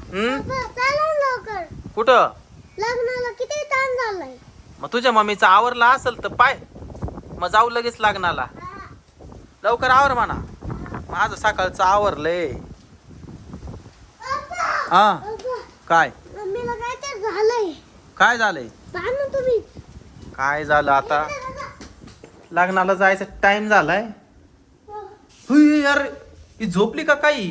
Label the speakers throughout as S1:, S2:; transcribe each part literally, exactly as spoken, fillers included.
S1: हम्म
S2: चला लवकर.
S1: कुठं?
S2: लग्नाला किती ताण झालाय.
S1: मग तुझ्या मम्मीचा आवरला असेल तर पाय, मग जाऊ लगेच लग्नाला. लवकर आवर म्हणा, माझं सकाळचं आवरलंय. हा काय
S2: मम्मीला काय तर झालंय.
S1: काय झालंय?
S2: ना तुम्ही
S1: काय झालं आता? लग्नाला जायचा टाइम झालाय. हुई यार, ही झोपली का काही?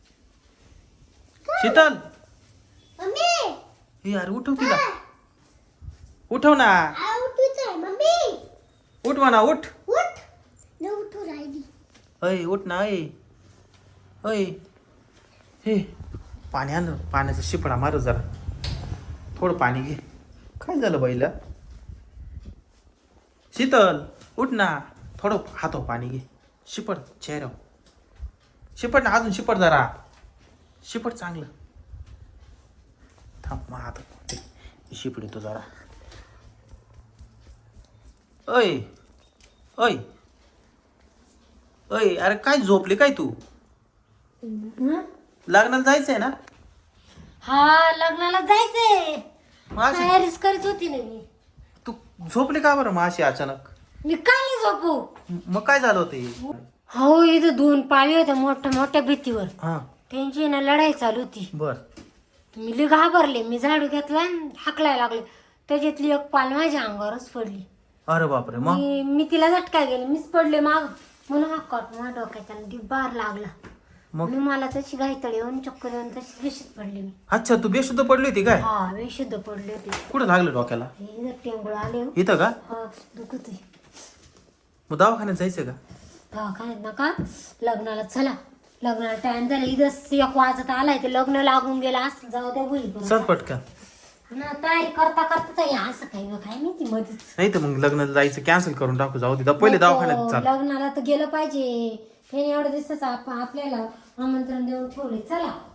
S1: शीतल,
S2: मम्मी
S1: ही यार उठव तिला. उठव ना,
S2: उठूच मम्मी.
S1: उठ म्हणा, उठ.
S2: उठ न उठू राहिली.
S1: अय उठ ना. अय अय हे पाणी आण, पाण्याचा शिपडा मार जरा. थोडं पाणी घे. काय झालं बाईला? शीतल उठ ना, थोडं हातो पाणी घे. शिपड चेहऱ्यावर, शिपड ना, अजून शिपड जरा. शिपड चांगलं. थांब मग हात शिपड येतो जरा. अय अय अय अरे काय झोपली काय तू? लग्नाला जायचंय ना?
S3: हा लग्नाला जायचंय.
S1: मग अशी-
S3: तयारीच करत होती ना मी.
S1: तू झोपली का बरं मग अशी अचानक?
S3: मी काय नाही झोपू.
S1: मग काय झालं होतं?
S3: हो इथं दोन पाळी होत्या मोठ्या मोठ्या भीतीवर.
S1: हा
S3: त्यांची ना लढाई चालू होती.
S1: बर.
S3: मी लई घाबरले. मी झाडू घेतला हाकलाय लागले. त्याच्यातली एक पाल माझ्या अंगावरच पडली.
S1: अरे बापरे. मग
S3: मी मी तिला झटका गेले. मीच पडले माग. म्हणून हा कट माझ्या डोक्याचा बार लागला.
S1: मग
S3: म्हणून मला तशी घाईतळी येऊन चक्कर येऊन तशी बेशुद्ध पडली मी.
S1: अच्छा, तू बेशुद्ध पडली होती काय?
S3: हा बेशुद्ध पडले होते.
S1: कुठं लागलं डोक्याला?
S3: हे टेंगुळ आले हो.
S1: इथं का?
S3: हा दुखत आहे.
S1: मग दवाखान्यात जायचं का?
S3: दवाखान्यात नका, लग्नाला चला. लग्नाला टाइम झाला. इथं एक वाजत आलाय ते लग्न लागून गेलं असं. जाऊ द्या होईल
S1: चल पटकन.
S3: ना तयारी करता करता या असं काही काय माहिती मध्येच.
S1: नाही तर मग लग्नाला जायचं कॅन्सल करून टाकू. जाऊ दे, पहिले दवाखान्यात चाल.
S3: लग्नाला तर गेलं पाहिजे. त्याने एवढ्या दिवसाचं आप- आपल्याला आमंत्रण देऊन ठेवले. चला